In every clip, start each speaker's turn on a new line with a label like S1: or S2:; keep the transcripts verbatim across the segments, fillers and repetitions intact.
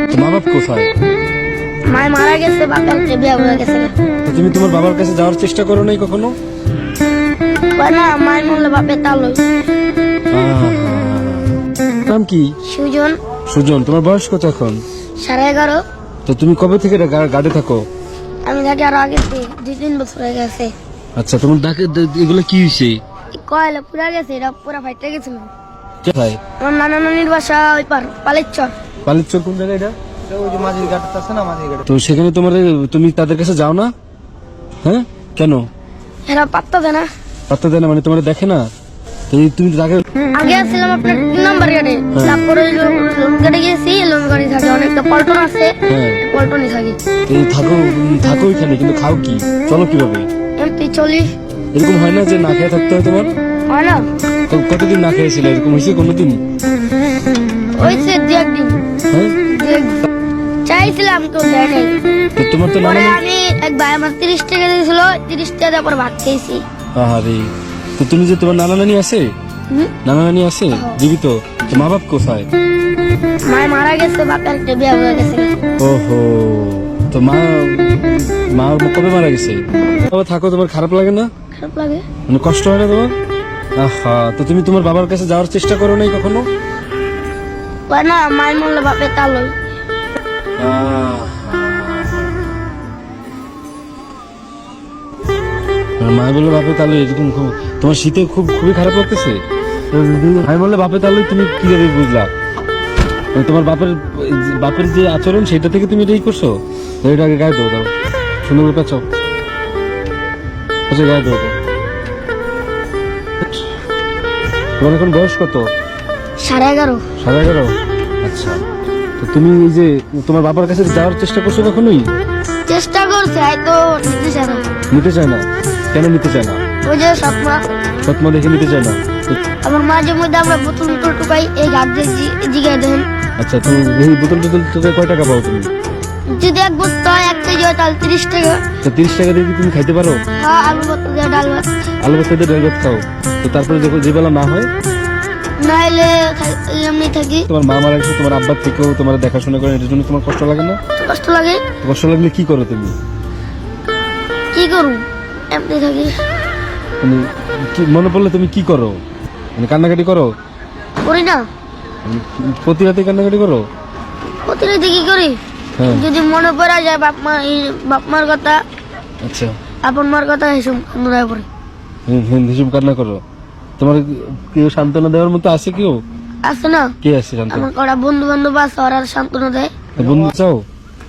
S1: মা বাপ কোথায়?
S2: মায় মারা গেছে, বাপের বিয়ে হয়ে গেছে।
S1: তো তুমি তোমার বাবার কাছে যাওয়ার চেষ্টা করো নাই কখনো?
S2: কয় না, মায় মরলে বাপের তাল হই।
S1: নাম কি?
S2: সুজন।
S1: সুজন। তোমার বয়স কত এখন?
S2: সাড়ে এগারো।
S1: তো তুমি কবে থেকে গাড়ি থাকো?
S2: আমি থাকি আরো আগে দুই তিন বছর হয়ে গেছে।
S1: আচ্ছা, তোমার ডাকে এগুলো কি হয়েছে?
S2: কয়লা পুরা গেছে, এটা পুরা ফাইটে গেছিল।
S1: কোথায়?
S2: আমার নানা নানির বাসা ওই পার পালেরচর।
S1: পালেরচর কোন জায়গায় এটা?
S3: ওই যে মাঝির ঘাট আছে না, মাঝির ঘাট।
S1: তো সেখানে তোমার তুমি তাদের কাছে যাও না? হ্যাঁ, কেন?
S2: এরা পাত্তা দেয় না।
S1: পাত্তা দেয় না মানে তোমার দেখে না? তো এই তুমি তো আগে
S2: আগে আসছিলাম আপনার তিন নম্বর গেটে, তারপরে লোন গেটে গেছি। লোন গাড়ি থাকে, অনেকটা পল্টন আছে,
S1: হ্যাঁ
S2: পল্টনই থাকি।
S1: এই থাকো থাকো এখানে, কিন্তু খাও কি? চলো কিভাবে?
S2: এমনি চলি।
S1: এরকম হয় না যে না খেয়ে থাকতে হয় তোমার?
S2: হয় না।
S1: তো কতদিন না খেয়েছিল? এরকম হয়েছে কোনোদিন?
S2: হয়েছে দু একদিন।
S1: হ্যাঁ,
S2: দু একদিন চাইছিলাম, কেউ দেয় নাই।
S1: তো তোমার তো
S2: পরে
S1: নানা
S2: আমি এক ভাই আমার তিরিশ টাকা দিয়েছিল, তিরিশ টাকা দেওয়ার পর ভাত খেয়েছি।
S1: আরে, তো তুমি যে তোমার নানা নানি আছে?
S2: হুম?
S1: নানা নানি আছে জীবিত? তো মা বাপ কোথায়?
S2: মায় মারা গেছে, বাপের বিয়ে হয়ে গেছে।
S1: ওহো, তো মা মা কবে মারা গেছে? তবে থাকো, তোমার খারাপ লাগে না?
S2: খারাপ লাগে।
S1: মানে কষ্ট হয় না তোমার? আহা, তো তুমি তোমার বাবার কাছে যাওয়ার চেষ্টা করো নাই কখনো?
S2: কয় না, মায় মরলে বাপের তাল হই।
S1: মা বললো বাপে তাহলে এরকম খুব- তোমার শীতে খুব খুবই খারাপ লাগতেছে? আমি বললে বাপে তাহলে তুমি কিভাবে বুঝলা? মানে তোমার বাপের বাপের যে আচরণ সেটা থেকে তুমি এটাই করছো? তো এটা আগে গায়ে দেবো, দাও সুন্দর করে পেঁচাও। আচ্ছা, গায়ে দেবো। তোমার এখন বয়স কত?
S2: সাড়ে এগারো।
S1: সাড়ে এগারো। আচ্ছা, তো তুমি এই যে তোমার বাবার কাছে যাওয়ার চেষ্টা করছো কখনোই?
S2: চেষ্টা করছে, হয়তো নিতে চায় না।
S1: নিতে চায় না? কেন নিতে চায় না?
S2: ওই যে স্বপ্ন,
S1: সৎমা দেখে নিতে চায় না? তো-
S2: আমার মাঝে মধ্যে আমরা বোতল বোতল টুকাই, এই ঘাট দিয়ে জিগাই দেন।
S1: আচ্ছা, তো এই বোতল টোতল তোকে কয় টাকা পাও তুমি?
S2: যদি এক বস্তা হয়, এক কেজি হয়, তাহলে তিরিশ টাকা।
S1: তো তিরিশ টাকা দিয়ে কি তুমি খাইতে পারো?
S2: হ্যাঁ, আলু ভর্তা দিয়ে ডাল ভাত।
S1: আলু বস্তা দিয়ে ডাল ভাত খাও? তো তারপরে যখন যে বেলা না হয়,
S2: নাইলে এমনি থাকি।
S1: তোমার মা মারা গেছে, তোমার আব্বার থেকেও তোমার দেখাশোনা করে, এটার জন্য তোমার কষ্ট লাগে না?
S2: কষ্ট লাগে।
S1: তো কষ্ট লাগলে কি করো তুমি?
S2: কি করুন, এমনি থাকি।
S1: মানে কি মনে পড়লে তুমি কি করো? মানে কান্নাকাটি করো?
S2: করি না।
S1: মানে প্রতি রাতে কান্নাকাটি করো?
S2: প্রতিনিধি কি করি,
S1: হ্যাঁ।
S2: যদি মনে পড়া যায় বাপ মা, বাপ মার কথা,
S1: আচ্ছা,
S2: আপন মার কথা, এসব মনে পড়ে।
S1: হুম, হুম, হিসেব কান্না করো। তোমার কেউ সান্ত্বনা দেওয়ার মতো আছে কেউ?
S2: আছে না,
S1: কে আছে সান্ত্বনা?
S2: আমার কটা বন্ধু বান্ধব আছে, ওরা সান্ত্বনা দেয়।
S1: বন্ধু চাও?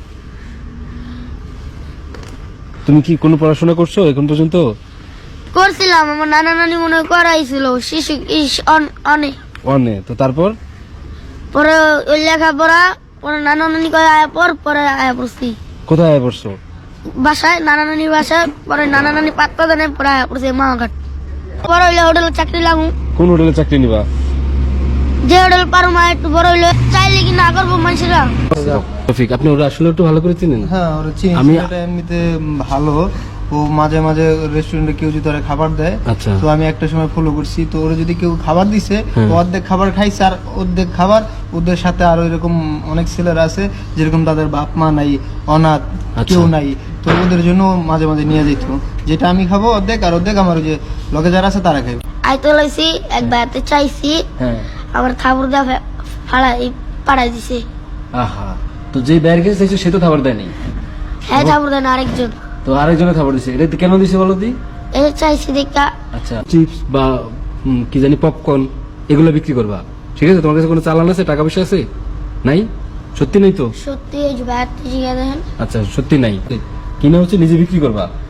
S1: তুমি কি কোনো পড়াশোনা করছো এখন পর্যন্ত?
S2: করছিলাম, আমার নানা নানি মনে হয় করাইছিল শিশু ইস- অন- অনেক।
S1: অনে, তো তারপর?
S2: পরে ওই লেখাপড়া, পরে নানা নানি কয় আয়া পর, পরে আয়া পড়ছি
S1: কোথায় আয় পড়ছো?
S2: বাসায়, নানা নানির বাসায়। পরে নানা নানি পাত্তা দেয় না, পরে আয়া পড়ছে মা ঘাট। বড় হইলে হোটেলে চাকরি লাগু,
S1: কোন হোটেলে চাকরি নিবা?
S2: যে হোটেল পারো মা, একটু বড় হইলে চাইলে কি না করবো মানুষেরা।
S1: রফিক, আপনি ওরা আসলে একটু ভালো করে চিনেন?
S3: হ্যাঁ, ওরা চিনি।
S1: আমি-
S3: ছেলেটা এমনিতে ভালো। ও মাঝে মাঝে রেস্টুরেন্টে কেউ যদি ওরা খাবার দেয়,
S1: আচ্ছা।
S3: তো আমি একটা সময় ফলো করছি। তো ওরা যদি কেউ খাবার দিছে,
S1: হ্যাঁ।
S3: তো অর্ধেক খাবার খাইছে, আর অর্ধেক খাবার ওদের সাথে আরো এরকম অনেক ছেলেরা আছে যেরকম তাদের বাপ মা নাই, অনাথ,
S1: আচ্ছা।
S3: কেউ নাই। তো ওদের জন্য মাঝে মাঝে নিয়ে যেত। যেটা আমি খাবো অর্ধেক, আর অর্ধেক আমার ওই যে লগে যারা আছে তারা খাবে।
S2: আইতে লাইছি, এক বেড়াতে চাইছি,
S1: হ্যাঁ।
S2: আবার থাবুর দা ফাড়াই পাড়াই দিছে।
S1: আহা, তো যে বাইরে গেছে দেখছো সে তো খাবার দেয়নি?
S2: হ্যাঁ, থাবুর দেন আরেকজন।
S1: তো আরেকজনে খাবার দিছে, এটা কেন দিছে বলো দি?
S2: এই চাইছি দেখা।
S1: আচ্ছা, চিপস বা হুম, কি জানি পপকর্ন এগুলো বিক্রি করবা, ঠিক আছে? তোমার কাছে কোনো চালান আছে, টাকা পয়সা আছে? নাই? সত্যি নেই তো?
S2: সত্যি এই যে বেড়াতে জিগা দেন।
S1: আচ্ছা, সত্যি নাই, কিনা হচ্ছে নিজে বিক্রি করবা?